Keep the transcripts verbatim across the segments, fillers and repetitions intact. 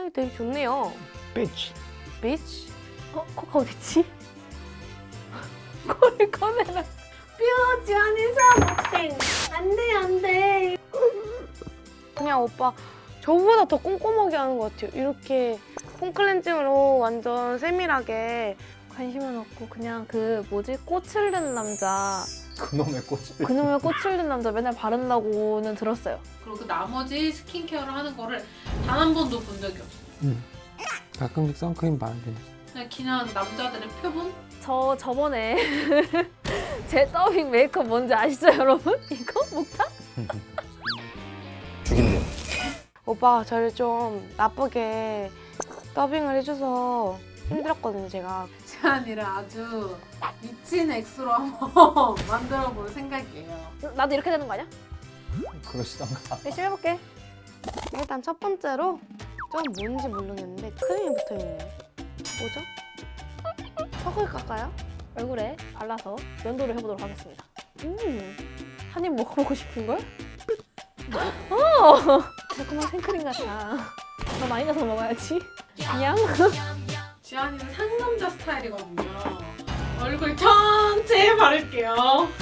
어, 되게 좋네요. 비치. 비치? 어, 코카 어딨지? 코를 꺼내라. 뾰지 아니잖아. 땡. 안 돼, 안 돼. 그냥 오빠 저보다 더 꼼꼼하게 하는 것 같아요. 이렇게 폼 클렌징으로 완전 세밀하게. 관심은 없고 그냥 그 뭐지? 꽃을 든 남자. 그놈의 꽃을. 그놈의 꽃을 든 남자 맨날 바른다고는 들었어요. 그리고 그 나머지 스킨케어를 하는 거를 단 한 번도 본 적이 없어. 응. 가끔씩 선크림 바르긴 해. 그냥 그냥 남자들의 표본? 저 저번에 제 더빙 메이크업 뭔지 아시죠, 여러분? 이거 목타? 죽인대. 오빠가 저를 좀 나쁘게 더빙을 해줘서 힘들었거든요, 제가. 지안이를 아주 미친 액수로 한번 만들어 볼 생각이에요. 나도 이렇게 되는 거 아니야? 그러시던가. 열심히 해볼게. 일단 첫 번째로 좀 뭔지 모르겠는데 크림이 붙어있네요. 뭐죠? 턱을 깎아요? 얼굴에 발라서 면도를 해보도록 하겠습니다. 음, 한 입 먹어보고 싶은걸? 어! 달콤한 생크림 같아. 더 많이 가서 먹어야지. 그냥 지안이는 상남자 스타일이거든요. 얼굴 전체에 바를게요.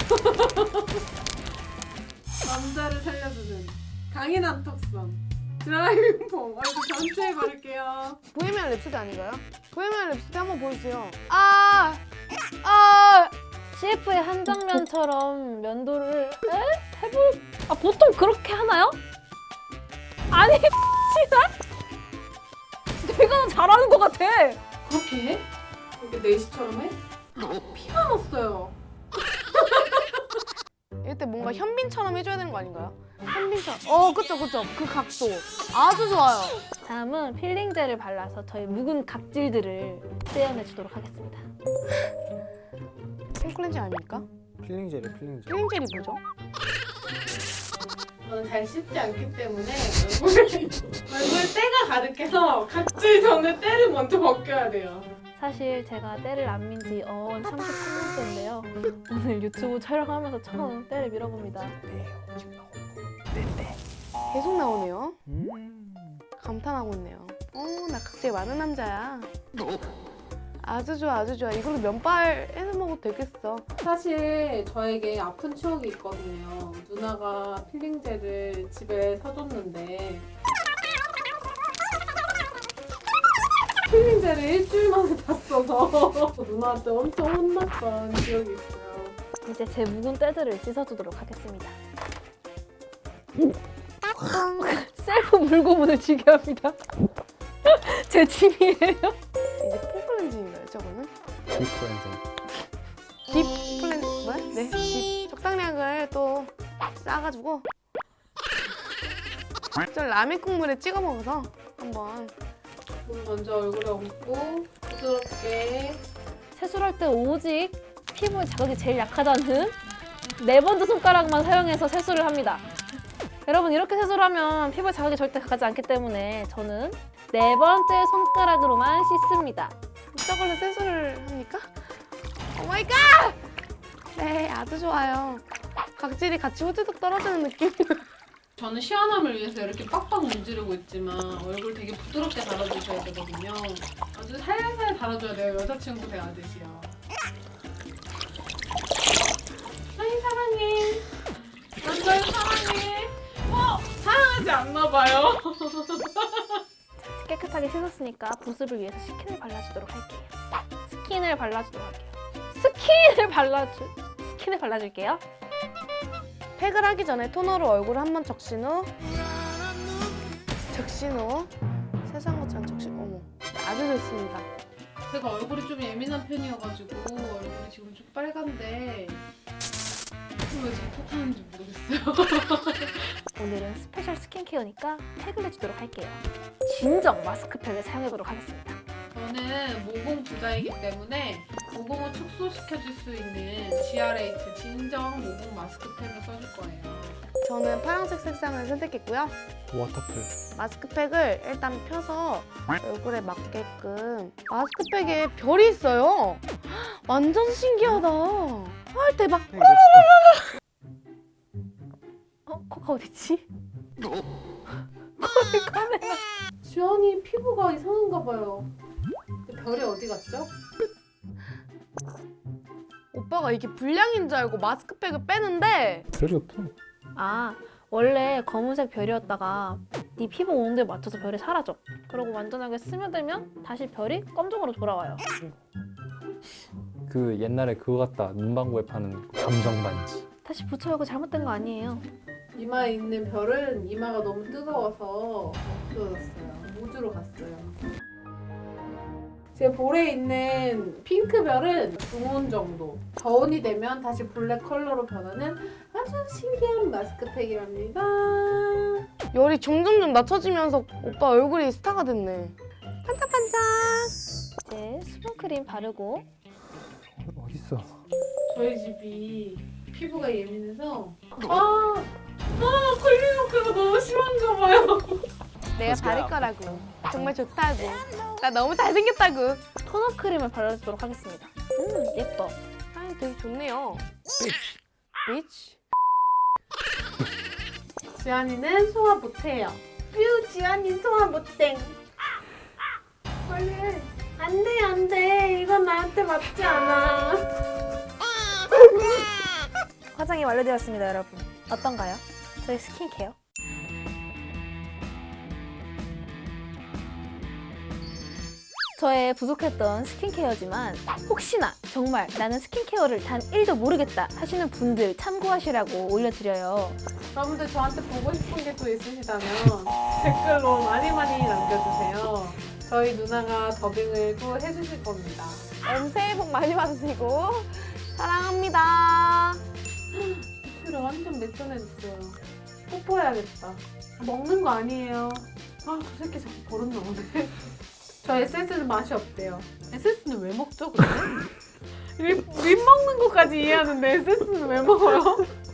남자를 살려주는 강인한 턱선. 드라이빙 폼 얼굴 전체에 바를게요. 보헤미안 랩소디 아닌가요? 보헤미안 랩소디 한번 보여주세요. 아! 아! 씨에프의 한 장면처럼 면도를 에? 해볼... 아 보통 그렇게 하나요? 아니 씨나? 내가 더 잘하는 것 같아. 그렇게 해? 이렇게 네시처럼 해? 피가 났어요. 이때 뭔가 현빈처럼 해줘야 되는 거 아닌가요? 현빈처럼. 어, 그쵸, 그쵸. 그 각도. 아주 좋아요. 다음은 필링 젤을 발라서 저희 묵은 각질들을 떼어내주도록 하겠습니다. 폼클렌징 아닙니까? 필링 젤이 필링 젤. 필링 젤이 뭐죠? 저는 잘 씻지 않기 때문에 얼굴에, 얼굴에 때가 가득해서 각질 전에 때를 먼저 벗겨야 돼요. 사실 제가 때를 안 민 지 어, 삼십삼 년째인데요. 오늘 유튜브 촬영하면서 처음 때를 밀어봅니다. 계속 나오네요. 음. 감탄하고 있네요. 어, 나 각질 많은 남자야. 아주 좋아, 아주 좋아. 이걸로 면발 해서 먹어도 되겠어. 사실 저에게 아픈 추억이 있거든요. 누나가 필링젤을 집에 사줬는데 필링젤을 일주일 만에 다 써서 누나한테 엄청 혼났던 기억이 있어요. 이제 제 묵은 때들을 씻어주도록 하겠습니다. 셀프 물고문을 지게 합니다. 제 취미예요. 이제 폼클렌징인가요, 저거는? 딥 클렌징. 딥 클렌징, 뭐야? 네, 딥 적당량을 또 싸가지고 저 라면 국물에 찍어 먹어서 한번. 물 먼저 얼굴에 얹고 부드럽게. 세수할 때 오직 피부에 자극이 제일 약하다는 네 번째 손가락만 사용해서 세수를 합니다. 여러분 이렇게 세수를 하면 피부에 자극이 절대 가지 않기 때문에 저는 네 번째 손가락으로만 씻습니다. 이쪽으로 세수를 합니까? 오마이갓! 네, 아주 좋아요. 각질이 같이 후두둑 떨어지는 느낌. 저는 시원함을 위해서 이렇게 빡빡 문지르고 있지만 얼굴 되게 부드럽게 달아주셔야 되거든요. 아주 살살 달아줘야 돼요. 여자친구 대하듯이요. 아이 사랑해. 난 널 사랑해. 어? 사랑하지 않나 봐요. 깨끗하게 씻었으니까 보습을 위해서 스킨을 발라주도록 할게요. 스킨을 발라주도록 할게요. 스킨을 발라주... 스킨을 발라줄게요. 팩을 하기 전에 토너로 얼굴을 한번 적신 후 적신 후 세수한 것처럼 적신 후 어머 아주 좋습니다. 제가 얼굴이 좀 예민한 편이어가지고 얼굴이 지금 좀 빨간데 왜 자꾸 톡하는지 모르겠어요. 오늘은 스페셜 스킨케어니까 팩을 해주도록 할게요. 진정 마스크팩을 사용해보도록 하겠습니다. 저는 모공 부자이기 때문에 모공을 축소시켜줄 수 있는 지알에이트 진정 모공 마스크팩을 써줄 거예요. 저는 파란색 색상을 선택했고요. 워터풀. 마스크팩을 일단 펴서 얼굴에 맞게끔. 마스크팩에 별이 있어요. 완전 신기하다. 헐 대박. 어? 코카 어딨지? 코를 꺼내라. 지연이 피부가 이상한가 봐요. 별이 어디 갔죠? 오빠가 이게 불량인 줄 알고 마스크팩을 빼는데 별이 없어. 아, 원래 검은색 별이었다가 네 피부 온도에 맞춰서 별이 사라져. 그리고 완전하게 스며들면 다시 별이 검정으로 돌아와요. 그 옛날에 그거 같다. 문방구에 파는 감정 반지. 다시 붙여요. 그거 잘못된 거 아니에요. 이마에 있는 별은 이마가 너무 뜨거워서 없어졌어요. 우주로 갔어요. 제 볼에 있는 핑크 별은 중온 정도. 저온이 되면 다시 블랙 컬러로 변하는 아주 신기한 마스크팩이랍니다. 열이 점점점 낮춰지면서 오빠 얼굴이 스타가 됐네. 반짝반짝. 이제 수분크림 바르고 어, 어딨어? 저희 집이 피부가 예민해서 아, 아 걸리는 효과가 너무 심한가 봐요. 내가 바를 거라고. 정말 좋다고. 나 너무 잘생겼다고. 토너 크림을 발라주도록 하겠습니다. 음, 예뻐. 향이 되게 좋네요. 비치. 지안이는 소화 못해요. 뾰 지안이 소화 못해. 빨리 해. 안돼 안돼 이건 나한테 맞지 않아. 화장이 완료되었습니다, 여러분. 어떤가요? 저희 스킨케어. 저의 부족했던 스킨케어지만 혹시나 정말 나는 스킨케어를 단 일도 모르겠다 하시는 분들 참고하시라고 올려드려요. 여러분들 저한테 보고 싶은 게 또 있으시다면 댓글로 많이 많이 남겨주세요. 저희 누나가 더빙을 또 해주실 겁니다. 음, 새해 복 많이 받으시고 사랑합니다. 입술을 완전 매끈해졌어요. 뽀뽀해야겠다. 먹는 거 아니에요. 아, 저 새끼 자꾸 버릇 나오네. 저 에스엔에스는 맛이 없대요. 에스엔에스는 왜 먹죠, 근데? 립, 립 먹는 것까지 이해하는데 에스엔에스는 왜 먹어요?